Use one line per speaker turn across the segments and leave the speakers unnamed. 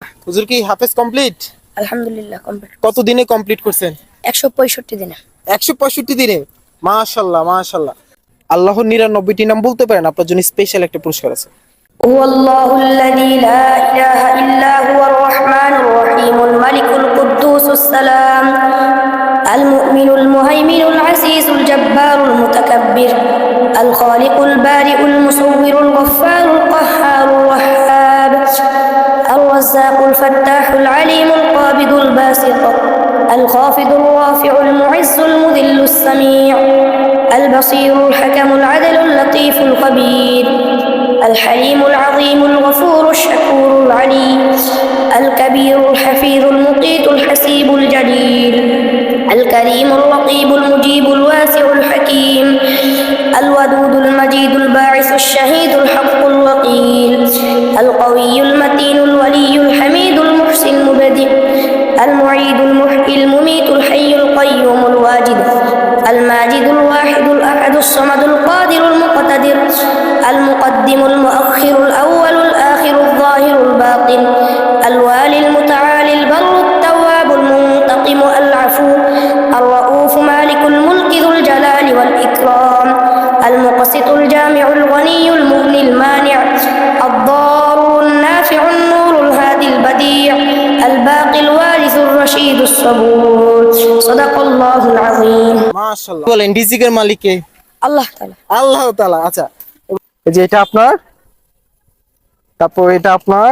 হুজুর কি হাফেজ কমপ্লিট?
আলহামদুলিল্লাহ কমপ্লিট।
কত দিনে কমপ্লিট করছেন?
165 দিনে।
165 দিনে। মাশাআল্লাহ মাশাআল্লাহ। আল্লাহর 99টি নাম বলতে পারেন? আপনার জন্য স্পেশাল একটা পুরস্কার আছে।
হুয়াল্লাহুল্লাযী লা ইলাহা ইল্লা হুয়ার রহমানুর রহিমুল মালিকুল কুদ্দুসুস সালাম আল মুমিনুল মুহাইমিনুল আজিজুল জাব্বারুল মুতাকাব্বির আল খালিকুল বারিউল মুসাউবিরুল গফফারুল কাহ্হারুর ওয়াহ্হাব الرزاق الفتاح العليم القابض الباسط الخافض الرافع المعز المذل السميع البصير الحكم العدل اللطيف الخبير الحليم العظيم الغفور الشكور العلي الكبير الحفيظ المقيت الحسيب الجليل الكريم الرقيب المجيب الواسع الحكيم الودود المجيد الباعث الشهيد الحق الوقيل القوي المتين الولي الحميد المحسن المبدئ المعيد المحيي المميت الحي القيوم الواجد الماجد الواحد الأحد الصمد القادر المقتدر المقدم المؤخر الأول الآخر الظاهر الباطن الوالي المتعالي البر التواب المنتقم العفو الرؤوف مالك الملك ذو الجلال والإكرام المقسط الجامع الغني المغني المانع الضار النافع النور الهادي البديع الباقي الوارث الرشيد الصبور صدق الله العظيم
মাশাআল্লাহ। বলেন রিজিকের মালিক কে?
আল্লাহ তাআলা।
আল্লাহ তাআলা। আচ্ছা, এই যে এটা আপনার, তারপর এটা আপনার,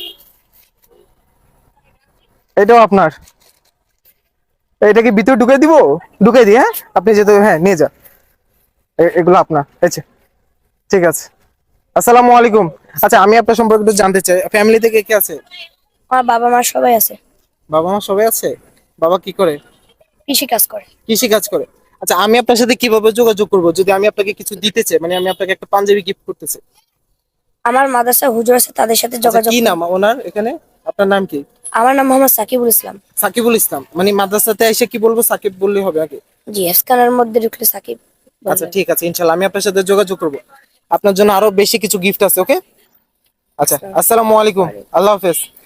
এটাও আপনার। এটাকে ভিতরে ঢুকাই দিব? ঢুকাই দিই। হ্যাঁ, আপনি যেতে, হ্যাঁ নিয়ে যান। এগুলো আপনার। আচ্ছা ঠিক আছে। আসসালামু আলাইকুম। আচ্ছা, আমি আপনার সম্পর্কে একটু জানতে চাই, ফ্যামিলি থেকে কে আছে?
আমার বাবা মা সবাই আছে।
বাবা মা সবাই আছে। বাবা কি করে?
কৃষি কাজ করে।
কৃষি কাজ করে। আচ্ছা, আমি আপনার সাথে কিভাবে যোগাযোগ করব যদি আমি আপনাকে কিছু দিতে চাই, মানে আমি আপনাকে একটা পাঞ্জাবি গিফট করতে চাই?
আমার মাদ্রাসা হুজুর আছে, তাদের সাথে
আচ্ছা,
যোগাযোগ
কি
করুন।
নাম ওনার এখানে? আপনার নাম কি?
আমার নাম মোহাম্মদ সাকিবুল ইসলাম।
সাকিবুল ইসলাম। মানে মাদ্রাসাতে এসে কি বলবো? সাকিব বললে হবে আগে?
জি, স্ক্যানের মধ্যে ঢুকলে সাকিব
আচ্ছা
বলবেন।
ঠিক আছে, ইনশাআল্লাহ আমি আপনার সাথে যোগাযোগ করব। আপনার জন্য আরো বেশি কিছু গিফট আছে। ওকে, আচ্ছা, আসসালামু আলাইকুম, আল্লাহ হাফেজ।